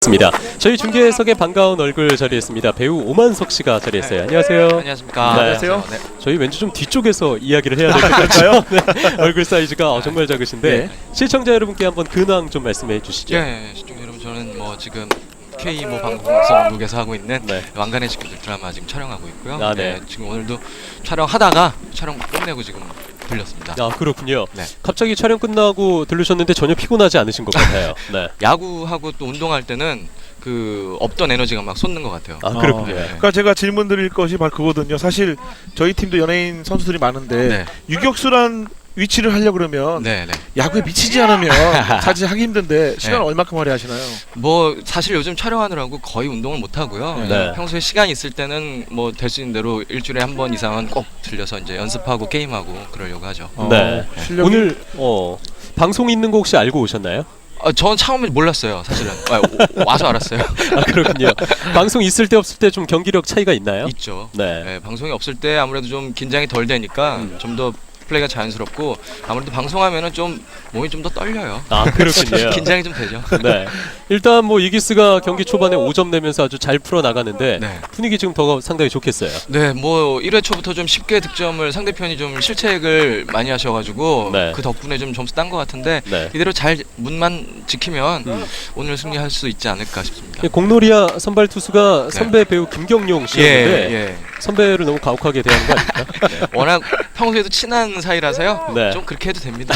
좋습니다. 저희 중계석에 반가운 얼굴 자리했습니다. 배우 오만석 씨가 자리했어요. 안녕하세요. 안녕하십니까. 네. 안녕하세요. 네. 저희 왠지 좀 뒤쪽에서 이야기를 해야 될 것 같아요. 네. 얼굴 사이즈가 정말 작으신데 네. 시청자 여러분께 한번 근황 좀 말씀해 주시죠. 예, 시청자 여러분, 저는 뭐 지금 K 방송국에서 하고 있는 네. 왕관의 식구들 드라마 지금 촬영하고 있고요. 아, 네. 네, 지금 오늘도 촬영하다가 촬영 끝내고 지금 들렸습니다. 아, 그렇군요. 네. 갑자기 촬영 끝나고 들르셨는데 전혀 피곤하지 않으신 것 같아요. 네. 야구하고 또 운동할 때는 그 없던 에너지가 막 솟는 것 같아요. 아, 그렇군요. 네. 그러니까 제가 질문 드릴 것이 바로 그거거든요. 사실 저희 팀도 연예인 선수들이 많은데 네. 유격수란 위치를 하려고 그러면 네, 네. 야구에 미치지 않으면 사실 하기 힘든데 시간 네. 얼마큼 할애하시나요? 뭐 사실 요즘 촬영하느라고 거의 운동을 못 하고요. 네. 평소에 시간 있을 때는 뭐 될 수 있는 대로 일주일에 한 번 이상은 꼭 들려서 이제 연습하고 게임하고 그러려고 하죠. 네. 실력이... 오늘 방송 있는 거 혹시 알고 오셨나요? 저는 처음에 몰랐어요, 사실은. 와서 알았어요. 아, 그렇군요. 방송 있을 때 없을 때 좀 경기력 차이가 있나요? 있죠. 네. 네, 방송이 없을 때 아무래도 좀 긴장이 덜 되니까 좀 더 플레이가 자연스럽고, 아무래도 방송하면은 좀 몸이 좀 더 떨려요. 아, 그렇군요. 긴장이 좀 되죠. 네. 일단 뭐 이기스가 경기 초반에 5점 내면서 아주 잘 풀어 나가는데 네. 분위기 지금 더 상당히 좋겠어요. 네, 뭐 1회 초부터 좀 쉽게 득점을 상대편이 좀 실책을 많이 하셔가지고 네. 그 덕분에 좀 점수 딴 것 같은데 네. 이대로 잘 문만 지키면 오늘 승리할 수 있지 않을까 싶습니다. 공놀이야 선발 투수가 네. 선배 배우 김경용 씨였는데 예. 선배를 너무 가혹하게 대하는 거 아닙니까? 네. 워낙 평소에도 친한 사이라서요. 네. 좀 그렇게 해도 됩니다.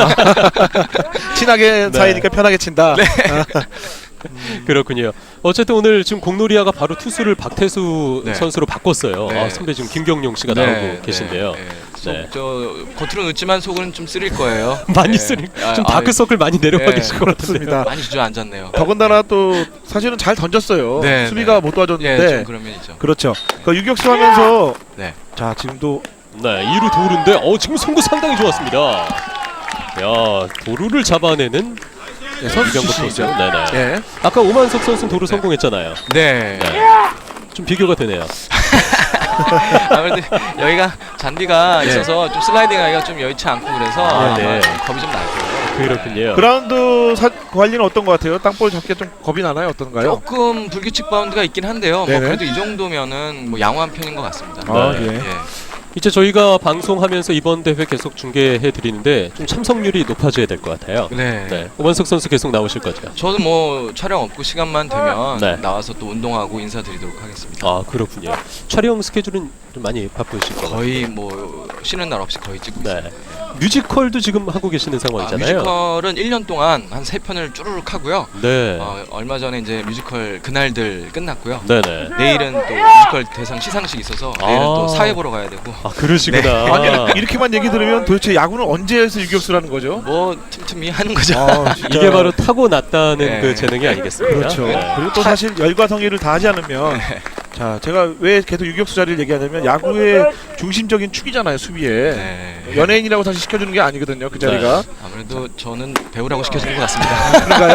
친하게 네. 사이니까 편하게 친다. 그렇군요. 어쨌든 오늘 지금 공놀이야가 바로 투수를 박태수 네. 선수로 바꿨어요. 네. 아, 선배 지금 김경용 씨가 나오고 계신데요. 네. 저 겉으로 늦지만 속은 좀 쓰릴 거예요. 많이 네. 쓰리 아, 좀 다크서클 많이 내려와 네. 계실 것 같은데요. 그렇습니다. 많이 주저앉았네요. 더군다나 또 사실은 잘 던졌어요. 네, 수비가 네. 못 도와줬는데. 예, 좀 그런 면이죠. 그렇죠. 그 유격수 하면서 네. 자 지금도 네, 2루 도루인데 지금 송구 상당히 좋았습니다. 야, 도루를 잡아내는 선수 이병국 출신이죠. 선수. 네네. 예. 아까 오만석 선수는 도루 성공했잖아요. 네. 네. 좀 비교가 되네요. 아무래도 여기가 잔디가 있어서 좀 슬라이딩하기가 좀 여의치 않고 그래서 아, 아마 네. 좀 겁이 좀 날 거예요. 그렇군요. 그라운드 관리는 어떤 것 같아요? 땅볼 잡기 좀 겁이 나나요? 어떤가요? 조금 불규칙 바운드가 있긴 한데요. 뭐 네네. 그래도 이 정도면은 뭐 양호한 편인 것 같습니다. 아, 네. 예. 예. 이제 저희가 방송하면서 이번 대회 계속 중계해 드리는데 좀 참석률이 높아져야 될 것 같아요. 네. 네. 오만석 선수 계속 나오실 거죠? 저도 뭐 촬영 없고 시간만 되면 네. 나와서 또 운동하고 인사드리도록 하겠습니다. 아, 그렇군요. 촬영 스케줄은 좀 많이 바쁘실 것 같아요. 거의 뭐 쉬는 날 없이 거의 찍고 네. 있어요. 뮤지컬도 지금 하고 계시는 상황이잖아요. 뮤지컬은 1년 동안 한 3편을 쭈르륵 하고요. 네. 얼마 전에 이제 뮤지컬 그날들 끝났고요. 네네. 내일은 또 뮤지컬 대상 시상식 있어서 내일은 아. 또 사회 보러 가야 되고. 아, 그러시구나. 아니 이렇게만 얘기 들으면 도대체 야구는 언제에서 유격수라는 거죠? 뭐 틈틈이 하는 거죠. 아, 진짜. 이게 바로 타고났다는 네. 그 재능이 아니겠습니까? 그렇죠. 네. 그리고 또 사실 열과 성의를 다하지 않으면 자 제가 왜 계속 유격수 자리를 얘기하냐면 야구의 중심적인 축이잖아요, 수비에. 네. 연예인이라고 사실 시켜주는 게 아니거든요, 그 자리가. 아무래도 저는 배우라고 시켜주는 것 같습니다. 그런가요?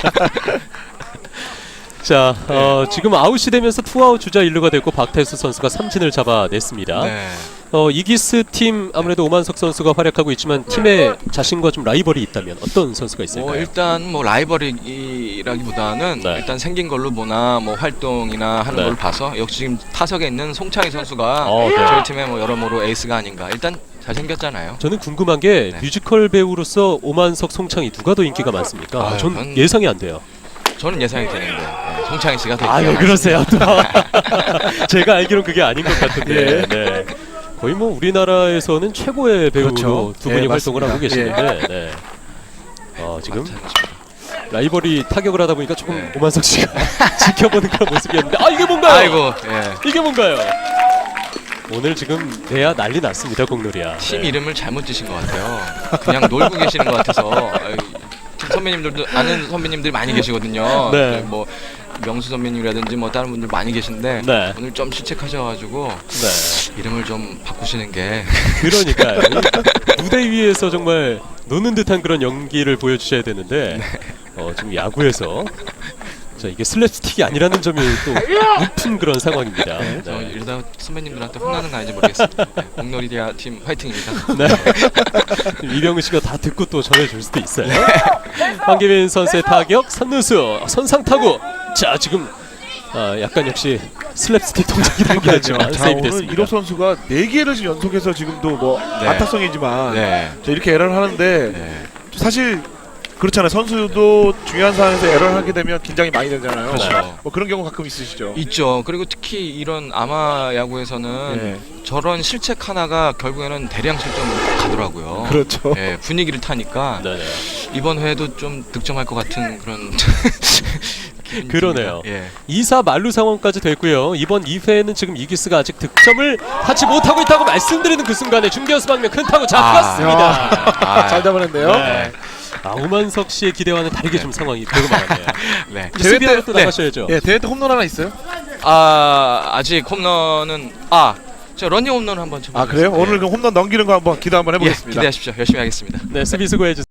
자, 지금 아웃이 되면서 투아웃 주자 1루가 됐고 박태수 선수가 삼진을 잡아냈습니다. 네. 이기스 팀 아무래도 오만석 선수가 활약하고 있지만 팀에 자신과 좀 라이벌이 있다면 어떤 선수가 있을까요? 일단 뭐 라이벌이라기보다는 네. 일단 생긴 걸로 보나 뭐 활동이나 하는 네. 걸 봐서 역시 지금 타석에 있는 송창희 선수가 네. 저희 팀의 뭐 여러모로 에이스가 아닌가. 일단 잘생겼잖아요. 저는 궁금한 게 네. 뮤지컬 배우로서 오만석, 송창희 누가 더 인기가 많습니까? 전 그건- 예상이 안 돼요. 저는 예상이 되는데 송창희 씨가 더 왜 인기가 그러세요? 제가 알기론 그게 아닌 것 같은데. 네. 거의 뭐 우리나라에서는 최고의 배우로 그렇죠. 두 분이 예, 활동을 하고 맞습니다. 계시는데 네. 지금 많습니다. 라이벌이 타격을 하다 보니까 조금 네. 오만석 씨가 지켜보는 그런 모습이었는데 이게 뭔가요? 아이고, 예. 이게 뭔가요? 오늘 지금 내야 난리 났습니다, 공놀이야. 팀 네. 이름을 잘못 지신 것 같아요. 그냥 놀고 계시는 것 같아서. 팀 선배님들도 아는 선배님들이 많이 계시거든요. 네. 뭐 명수 선배님이라든지 뭐 다른 분들 많이 계신데 네. 오늘 좀 실책하셔가지고 네. 이름을 좀 바꾸시는 게. 그러니까요. 무대 위에서 정말 노는 듯한 그런 연기를 보여주셔야 되는데 지금 야구에서 자, 이게 슬랩스틱이 아니라는 점이 또 웃픈 그런 상황입니다. 네. 저 이러다 선배님들한테 혼나는 거 아닌지 모르겠습니다. 공놀이디아 팀 화이팅입니다. 네. 이병우 씨가 다 듣고 또 전해줄 수도 있어요. 황기민 선수의 타격, 선루수, 선상 타구. 자 지금 약간 역시 슬랩스틱 동작이라는 하지만 자, 세이브 오늘 됐습니다. 이로 선수가 4개를 지금 연속해서 지금도 뭐 네. 안타성이지만 네. 자, 이렇게 에러를 하는데 네. 사실 그렇잖아요. 선수도 중요한 상황에서 에러를 하게 되면 긴장이 많이 되잖아요. 그렇죠. 뭐 그런 경우 가끔 있으시죠. 있죠. 그리고 특히 이런 아마 야구에서는 네. 저런 실책 하나가 결국에는 대량 실점으로 가더라고요. 그렇죠. 예, 분위기를 타니까 네네. 이번 회도 좀 득점할 것 같은 그런 기분이 그러네요. 듭니다. 예. 2사 만루 상황까지 됐고요. 이번 2회에는 지금 이기스가 아직 득점을 하지 못하고 있다고 말씀드리는 그 순간에 중견수 방면 큰 타구 잡혔습니다. 아, 잘 잡아냈네요. 네. 오만석 씨의 기대와는 다르게 좀 상황이 되고 말았네요. 네. 이제 수비하러 또 네. 나가셔야죠. 예, 대회 때 홈런 하나 있어요? 아직 홈런은 저 러닝 홈런 한번 쳐보겠습니다. 아 그래요? 예. 오늘 그 홈런 넘기는 거 한번 기대 한번 예, 해보겠습니다. 기대하십시오. 열심히 하겠습니다. 네, 수비 수고해 주세요.